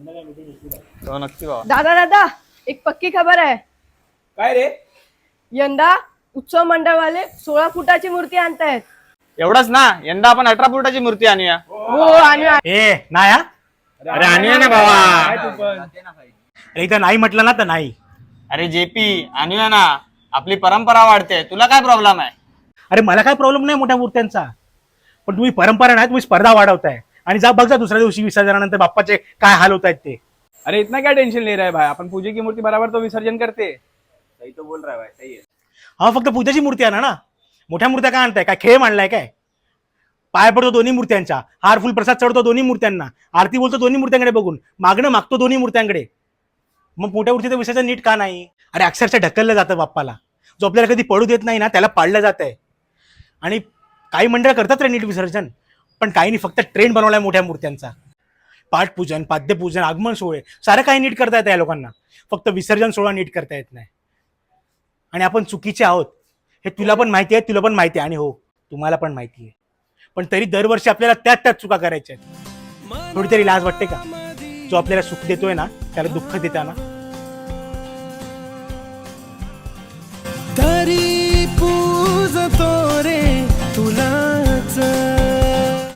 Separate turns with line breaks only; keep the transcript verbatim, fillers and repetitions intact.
तो नक्की बाबा.
दादा दादा एक पक्की खबर आहे.
काय रे?
यंदा उत्सव मंडळवाले सोळा फुटाची मूर्ती आणतायत.
एवढंच ना, यंदा आपण अठरा फुटाची मूर्ती आणूया.
हो आणि
ए नाही हा?
अरे आणूया ना बाबा.
काय तू पण?
अरे इथं नाही म्हटलं ना तर नाही.
अरे जेपी आणूया ना, आपली परंपरा वाढते. तुला काय प्रॉब्लेम आहे?
अरे मला काय प्रॉब्लेम नाही मोठ्या मूर्त्यांचा, पण तुम्ही परंपरा नाही, तुम्ही स्पर्धा वाढवताय. आणि जा बघ जा दुसऱ्या दिवशी विसर्जनानंतर बाप्पाचे काय हाल होत आहेत ते.
अरे इतना क्या टेंशन ले रहा है भाई, अपन पूजे की मूर्ति बराबर तो विसर्जन करते. सही तो बोल रहा है भाई, सही है.
हा फक्त पूजाची मूर्ती आणा ना, मोठ्या मूर्त्या काय आणताय? काय खेळ मांडलाय काय? पाय पडतो दोन्ही मूर्त्यांच्या, हार फुल प्रसाद चढतो दोन्ही मूर्त्यांना, आरती बोलतो दोन्ही मूर्त्यांकडे बघून, मागणं मागतो दोन्ही मूर्त्यांकडे. मग मोठ्या मूर्तीचं विसर्जन नीट का नाही? अरे अक्षरशः ढकललं जातं बाप्पाला. जो आपल्याला कधी पडू देत नाही ना त्याला पाडलं जात आहे. आणि काही मंडळ करतात रे नीट विसर्जन, पण काही फक्त ट्रेंड बनवलाय मोठ्या मूर्त्यांचा. पाठपूजन, पाद्यपूजन, आगमन सोहळे सारं काही नीट करता येतं या लोकांना, फक्त विसर्जन सोहळा नीट करता येत नाही. आणि आपण चुकीचे आहोत हे तुला पण माहिती आहे, तुला पण माहिती आहे, आणि हो तुम्हाला पण माहिती आहे. पण तरी दरवर्षी आपल्याला त्याच त्याच चुका करायच्या आहेत. थोडी तरी लाज वाटते का? जो आपल्याला सुख देतोय ना त्याला दुःख देताना.
तरी पूजतो